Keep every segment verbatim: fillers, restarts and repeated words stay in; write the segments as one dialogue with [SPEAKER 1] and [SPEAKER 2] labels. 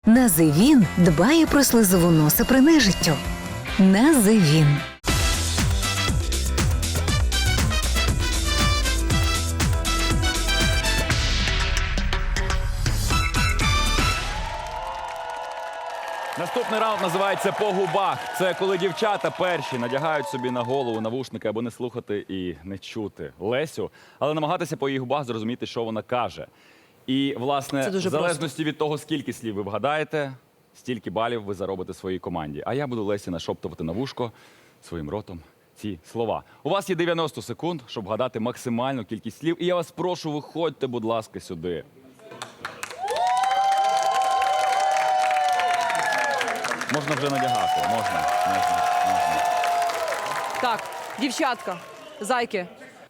[SPEAKER 1] Називін дбає про слизову носа при нежиттю. Називін.
[SPEAKER 2] Наступний раунд називається «По губах». Це коли дівчата перші надягають собі на голову навушники, аби не слухати і не чути Лесю, але намагатися по її губах зрозуміти, що вона каже. І, власне,
[SPEAKER 3] Це дуже
[SPEAKER 2] в залежності від того, скільки слів ви вгадаєте, стільки балів ви заробите своїй команді. А я буду Лесі нашоптувати на вушко своїм ротом ці слова. У вас є дев'яносто секунд, щоб вгадати максимальну кількість слів. І я вас прошу, виходьте, будь ласка, сюди. Можна вже надягати, можна, можна, можна.
[SPEAKER 3] Так, дівчатка, зайки.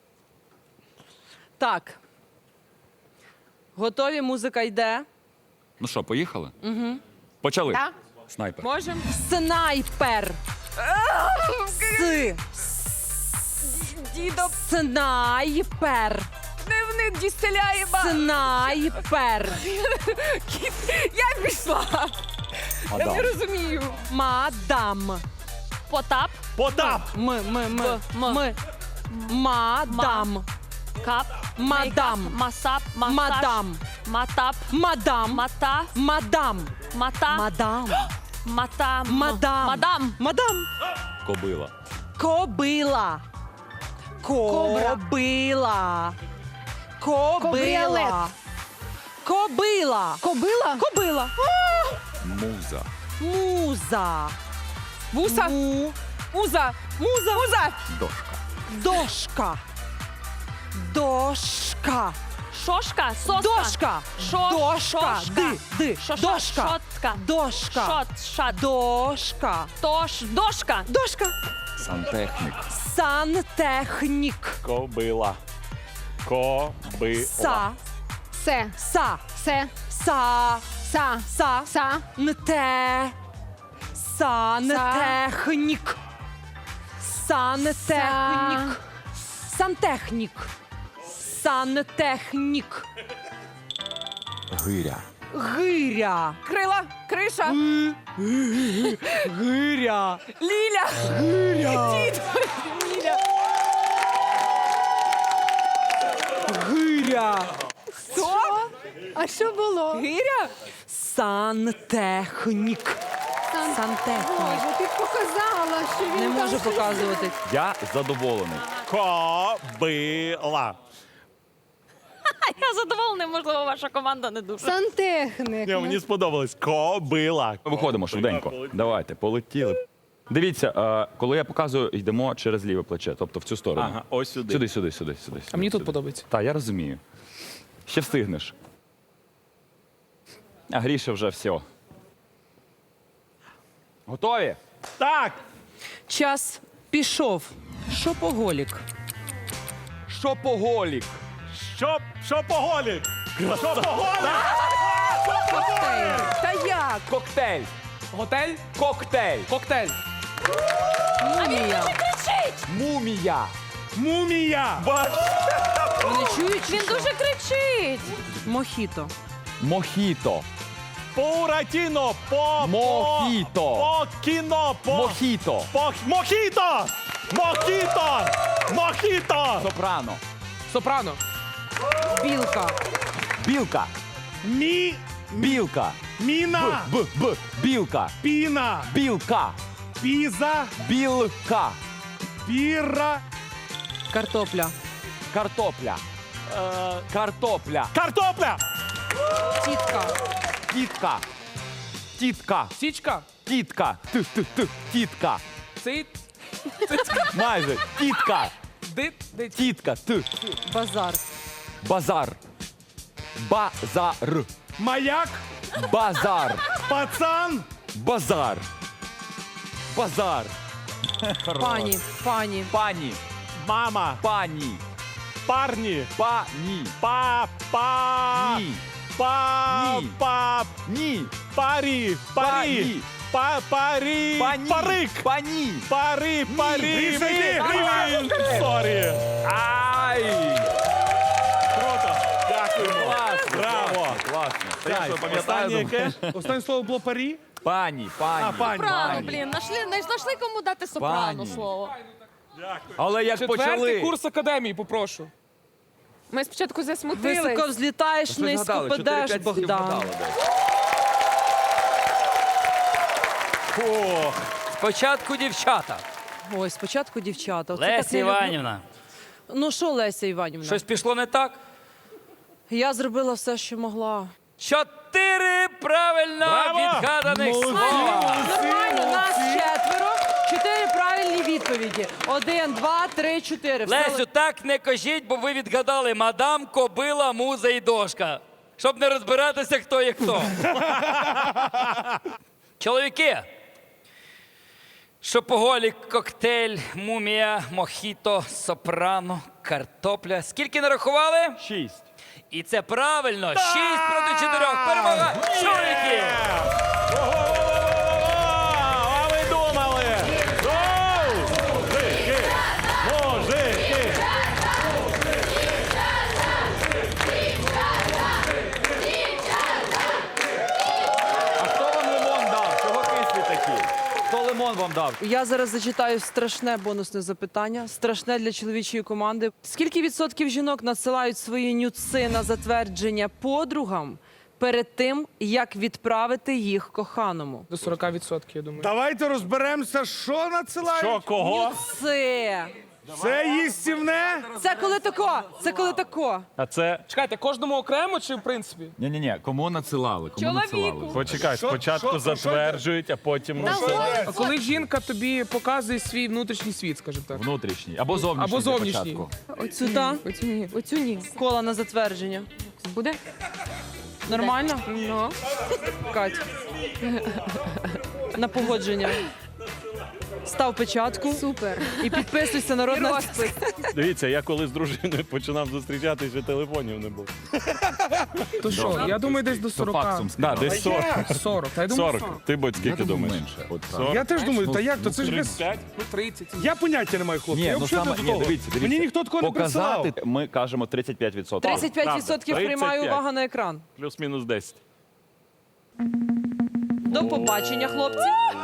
[SPEAKER 3] Так. Готові, музика йде.
[SPEAKER 2] Ну що, поїхали? Угу. Почали.
[SPEAKER 3] Так.
[SPEAKER 2] Снайпер.
[SPEAKER 3] Можем? Снайпер. С.
[SPEAKER 4] Дідо,
[SPEAKER 3] Снайпер.
[SPEAKER 4] дневник дістеляєва.
[SPEAKER 3] Снайпер.
[SPEAKER 4] Я пішла. Я
[SPEAKER 2] Мадам.
[SPEAKER 4] не розумію.
[SPEAKER 3] Мадам.
[SPEAKER 4] Потап.
[SPEAKER 5] Потап!
[SPEAKER 3] М, м, м,
[SPEAKER 4] М.
[SPEAKER 3] м. Мадам.
[SPEAKER 4] Кап.
[SPEAKER 3] Мадам.
[SPEAKER 4] Мейкап, Масап. Масаж.
[SPEAKER 3] Мадам.
[SPEAKER 4] Матап.
[SPEAKER 3] Мадам.
[SPEAKER 4] Мата.
[SPEAKER 3] Мадам.
[SPEAKER 4] Мата.
[SPEAKER 3] Мадам.
[SPEAKER 4] Мата.
[SPEAKER 3] Мадам.
[SPEAKER 4] Мадам.
[SPEAKER 3] Мадам.
[SPEAKER 2] Кобила.
[SPEAKER 3] Кобила.
[SPEAKER 4] Кобра.
[SPEAKER 3] Кобила. Кобила.
[SPEAKER 4] Кабріолет.
[SPEAKER 3] Кобила.
[SPEAKER 4] Кобила.
[SPEAKER 3] Кобила.
[SPEAKER 2] Муза.
[SPEAKER 3] Муза.
[SPEAKER 4] Вуса.
[SPEAKER 3] Му.
[SPEAKER 4] Муза.
[SPEAKER 3] Муза.
[SPEAKER 4] Муза.
[SPEAKER 2] Дошка.
[SPEAKER 3] Дошка. Дошка.
[SPEAKER 4] Шошка. Соска.
[SPEAKER 3] Дошка.
[SPEAKER 4] Шо-
[SPEAKER 3] Дошка.
[SPEAKER 4] шошка.
[SPEAKER 3] Ди. Ди.
[SPEAKER 4] Шо- шо-
[SPEAKER 3] Дошка.
[SPEAKER 4] Шотка.
[SPEAKER 3] Дошка.
[SPEAKER 4] Шот. Шат.
[SPEAKER 3] Дошка.
[SPEAKER 4] Тош. Дошка.
[SPEAKER 3] Дошка.
[SPEAKER 2] Сантехнік.
[SPEAKER 3] Сантехнік.
[SPEAKER 5] Кобила. Кобила.
[SPEAKER 3] Са.
[SPEAKER 4] Се.
[SPEAKER 3] Са.
[SPEAKER 4] Се.
[SPEAKER 3] Са.
[SPEAKER 4] Са.
[SPEAKER 3] Са.
[SPEAKER 4] Са.
[SPEAKER 3] Нте. Сантехнік. Сантехнік. Сантехнік. Сантехнік.
[SPEAKER 2] Гиря.
[SPEAKER 3] Гиря.
[SPEAKER 4] Крила. Криша.
[SPEAKER 3] Гиря.
[SPEAKER 4] Ліля.
[SPEAKER 3] Гиря.
[SPEAKER 4] Дід. Ліля.
[SPEAKER 3] Гиря.
[SPEAKER 4] Хто? А що було?
[SPEAKER 3] Гиря. Сантехнік. Сантехнік.
[SPEAKER 4] Боже, ти показала, що він
[SPEAKER 3] Не
[SPEAKER 4] там
[SPEAKER 3] можу
[SPEAKER 4] щось-
[SPEAKER 3] показувати.
[SPEAKER 2] Я задоволений.
[SPEAKER 5] Кобила.
[SPEAKER 4] Я задоволена, можливо, ваша команда не дуже. Сантехник.
[SPEAKER 5] Ні, мені сподобалось. Кобила.
[SPEAKER 2] Виходимо швиденько. Давайте, полетіли. Дивіться, е, коли я показую, йдемо через ліве плече, тобто в цю сторону.
[SPEAKER 5] Ага, ось сюди.
[SPEAKER 2] Сюди, сюди, сюди, сюди.
[SPEAKER 6] А мені тут подобається.
[SPEAKER 2] Так, я розумію. Ще встигнеш. А Гріша вже все. Готові?
[SPEAKER 5] Так.
[SPEAKER 3] Час пішов. Шопоголік.
[SPEAKER 2] Шопоголік.
[SPEAKER 5] Що, що поголік? Що поголік?
[SPEAKER 3] Та як?
[SPEAKER 2] Коктейль.
[SPEAKER 6] Готель,
[SPEAKER 2] Коктейль.
[SPEAKER 6] коктейль.
[SPEAKER 3] Мумія.
[SPEAKER 2] Мумія.
[SPEAKER 5] Мумія.
[SPEAKER 3] Вони чують? чи
[SPEAKER 4] Він
[SPEAKER 3] що?
[SPEAKER 4] дуже кричить.
[SPEAKER 3] Мохіто.
[SPEAKER 2] Мохіто.
[SPEAKER 5] Буратіно. По.
[SPEAKER 2] Мохіто.
[SPEAKER 5] По кіно. По.
[SPEAKER 2] Мохіто.
[SPEAKER 5] По. Мохіто. Мохіто. Мохіто.
[SPEAKER 2] Сопрано.
[SPEAKER 6] Сопрано.
[SPEAKER 3] Білка.
[SPEAKER 2] Білка.
[SPEAKER 5] Мі.
[SPEAKER 2] Білка.
[SPEAKER 5] Міна.
[SPEAKER 2] Б, Б. Білка.
[SPEAKER 5] Піна.
[SPEAKER 2] Білка.
[SPEAKER 5] Піза.
[SPEAKER 2] Білка.
[SPEAKER 5] Піра.
[SPEAKER 3] Картопля.
[SPEAKER 2] Картопля.
[SPEAKER 5] Е,
[SPEAKER 2] Картопля.
[SPEAKER 5] Картопля.
[SPEAKER 3] Тітка.
[SPEAKER 2] Тітка. Тітка.
[SPEAKER 6] Січка.
[SPEAKER 2] Тітка. Т, т, т. Тітка.
[SPEAKER 6] Цит.
[SPEAKER 2] Майже. Тітка.
[SPEAKER 6] Дит. Дит.
[SPEAKER 2] Тітка. Т.
[SPEAKER 3] Базар.
[SPEAKER 2] Базар. Базар.
[SPEAKER 5] Маяк.
[SPEAKER 2] Базар.
[SPEAKER 5] Пацан.
[SPEAKER 2] Базар. Базар.
[SPEAKER 3] Пані. Пані.
[SPEAKER 2] Пані.
[SPEAKER 5] Мама.
[SPEAKER 2] Пані.
[SPEAKER 5] Парні.
[SPEAKER 2] Пані.
[SPEAKER 5] Па-па.
[SPEAKER 2] Ні.
[SPEAKER 5] Па.
[SPEAKER 2] Ні.
[SPEAKER 5] Па.
[SPEAKER 2] Ні.
[SPEAKER 5] Парі. Парі.
[SPEAKER 2] Пані.
[SPEAKER 5] Па. Парі.
[SPEAKER 2] Пані.
[SPEAKER 5] Парик.
[SPEAKER 2] Пані.
[SPEAKER 5] Пари. Парі.
[SPEAKER 2] Гріша,
[SPEAKER 5] Мі.
[SPEAKER 2] йди.
[SPEAKER 5] Гріша. Сорі.
[SPEAKER 2] Ай!
[SPEAKER 5] Круто. Дякуємо.
[SPEAKER 2] Класно.
[SPEAKER 5] Браво.
[SPEAKER 2] Класно. Та я що, пам'ятаю,
[SPEAKER 5] Останнє
[SPEAKER 2] думаю.
[SPEAKER 5] яке? Останнє слово було парі?
[SPEAKER 2] Пані, пані.
[SPEAKER 5] А, пані.
[SPEAKER 4] Сопрано, блін, нашли, не знайшли кому дати сопрано
[SPEAKER 2] Пані.
[SPEAKER 4] слово.
[SPEAKER 2] Але як
[SPEAKER 6] Четвертий
[SPEAKER 2] почали...
[SPEAKER 6] курс академії, попрошу.
[SPEAKER 4] Ми спочатку засмутились.
[SPEAKER 3] Високо взлітаєш,
[SPEAKER 2] Ви
[SPEAKER 3] низько
[SPEAKER 2] згадали,
[SPEAKER 3] падеш,
[SPEAKER 2] чотири-п'ять слів
[SPEAKER 3] Богдан.
[SPEAKER 2] вгадали, десь.
[SPEAKER 5] О,
[SPEAKER 7] Спочатку дівчата.
[SPEAKER 3] Ой, спочатку дівчата. Оце так
[SPEAKER 7] Леся
[SPEAKER 3] не люблю.
[SPEAKER 7] Іванівна.
[SPEAKER 3] Ну що, Леся Іванівна?
[SPEAKER 7] Щось пішло не так?
[SPEAKER 3] Я зробила все, що могла.
[SPEAKER 7] Чотири правильно
[SPEAKER 5] Браво!
[SPEAKER 7] відгаданих
[SPEAKER 5] Молодці!
[SPEAKER 7] слова.
[SPEAKER 3] Нормально, нас четверо. Чотири правильні відповіді. Один, два, три, чотири. Все
[SPEAKER 7] Лесю, так не кажіть, бо ви відгадали мадам, кобила, муза і дошка. Щоб не розбиратися, хто є хто. Чоловіки. Шопоголік, коктейль, мумія, мохіто, сопрано, картопля. Скільки нарахували?
[SPEAKER 2] Шість.
[SPEAKER 7] І це правильно. Шість проти чотирьох. Перемога чоловіків.
[SPEAKER 5] а ви думали? Оу! Мужики! Мужики!
[SPEAKER 2] А хто вам лимон дав? Чого кислі такі? Хто лимон вам дав?
[SPEAKER 3] Я зараз зачитаю страшне бонусне запитання, страшне для чоловічої команди. Скільки відсотків жінок надсилають свої нюци на затвердження подругам перед тим, як відправити їх коханому?
[SPEAKER 6] До сорока відсотків, я думаю.
[SPEAKER 8] Давайте розберемося, що надсилають.
[SPEAKER 5] Що, кого?
[SPEAKER 3] Це.
[SPEAKER 8] Це їстівне?
[SPEAKER 3] Це коли тако. Це коли тако.
[SPEAKER 5] А це...
[SPEAKER 6] Чекайте, кожному окремо чи в принципі?
[SPEAKER 2] Ні-ні-ні, кому надсилали? Кому
[SPEAKER 4] Чоловіку.
[SPEAKER 2] надсилали?
[SPEAKER 5] Почекай, спочатку
[SPEAKER 8] що- що
[SPEAKER 5] затверджують, а потім...
[SPEAKER 6] А коли жінка тобі показує свій внутрішній світ, скажімо так.
[SPEAKER 2] Внутрішній. Або зовнішній.
[SPEAKER 6] Або
[SPEAKER 2] для
[SPEAKER 6] зовнішній.
[SPEAKER 2] початку.
[SPEAKER 3] Оцю та
[SPEAKER 4] Оцю ні. Оцю ні.
[SPEAKER 3] кола на затвердження.
[SPEAKER 4] Буде?
[SPEAKER 3] Нормально?
[SPEAKER 4] Ну.
[SPEAKER 3] Кать. На погодження. Став печатку
[SPEAKER 4] Супер.
[SPEAKER 3] і підписуйся народна.
[SPEAKER 4] Розпис.
[SPEAKER 5] Дивіться, я коли з дружиною починав зустрічатися, телефонів не було.
[SPEAKER 6] То що, я думаю, десь до
[SPEAKER 2] То
[SPEAKER 6] сорока.
[SPEAKER 2] факсом
[SPEAKER 5] Да,
[SPEAKER 2] скидали.
[SPEAKER 5] десь сорок.
[SPEAKER 6] сорок. Та я думаю,
[SPEAKER 5] сорок.
[SPEAKER 6] сорок.
[SPEAKER 5] Ти, будь,
[SPEAKER 2] Я
[SPEAKER 5] скільки
[SPEAKER 2] думаю,
[SPEAKER 5] думаєш?
[SPEAKER 2] менше.
[SPEAKER 5] От
[SPEAKER 2] сорок.
[SPEAKER 8] Я теж думаю,
[SPEAKER 2] Ну,
[SPEAKER 8] та як, то це ж без...
[SPEAKER 5] тридцять п'ять?
[SPEAKER 6] Ну, тридцять.
[SPEAKER 8] Я поняття не маю, хлопці.
[SPEAKER 2] Ні,
[SPEAKER 8] я
[SPEAKER 2] ну
[SPEAKER 8] взагалі
[SPEAKER 2] саме,
[SPEAKER 8] до
[SPEAKER 2] ні,
[SPEAKER 8] того.
[SPEAKER 2] дивіться, дивіться.
[SPEAKER 8] Мені ніхто такого не присилав.
[SPEAKER 2] Показати, ми кажемо тридцять п'ять відсотків.
[SPEAKER 3] тридцять п'ять відсотків
[SPEAKER 5] Правда.
[SPEAKER 3] приймаю
[SPEAKER 5] тридцять п'ять.
[SPEAKER 3] увагу на екран.
[SPEAKER 5] Плюс-мінус десять.
[SPEAKER 3] До побачення, хлопці.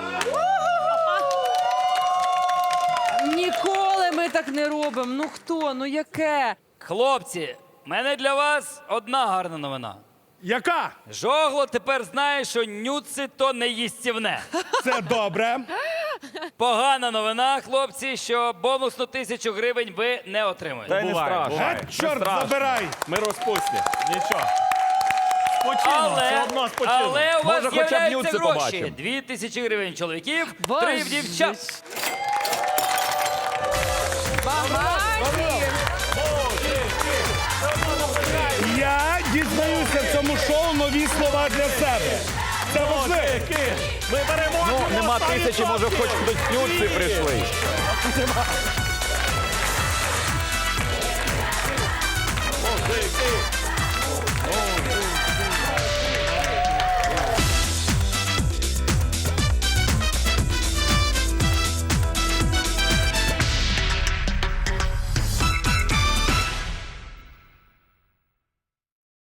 [SPEAKER 3] Ніколи ми так не робимо. Ну хто? Ну яке?
[SPEAKER 7] Хлопці, в мене для вас одна гарна новина.
[SPEAKER 8] Яка?
[SPEAKER 7] Жогло тепер знає, що нюци то не їстівне.
[SPEAKER 8] Це добре.
[SPEAKER 7] Погана новина, хлопці, що бонусну тисячу гривень ви не отримуєте.
[SPEAKER 2] Та й не
[SPEAKER 5] Буває,
[SPEAKER 2] страшно.
[SPEAKER 5] буває.
[SPEAKER 8] Геть,
[SPEAKER 5] Не
[SPEAKER 8] чорт,
[SPEAKER 5] страшно.
[SPEAKER 8] забирай.
[SPEAKER 5] Ми розпусті. Нічого. Спочину, все
[SPEAKER 7] Але,
[SPEAKER 5] одно спочину.
[SPEAKER 7] але у вас
[SPEAKER 2] Може, хоча б
[SPEAKER 7] з'являються
[SPEAKER 2] нюци
[SPEAKER 7] гроші.
[SPEAKER 2] побачимо.
[SPEAKER 7] Дві тисячі гривень чоловіків,
[SPEAKER 3] Боже.
[SPEAKER 7] три в дівчат.
[SPEAKER 8] Я дізнаюся в цьому шоу нові слова для себе. Це важливо.
[SPEAKER 5] Мужики, ми беремо.
[SPEAKER 2] Ну, нема тисячі, може, хоч хтось нюци прийшли.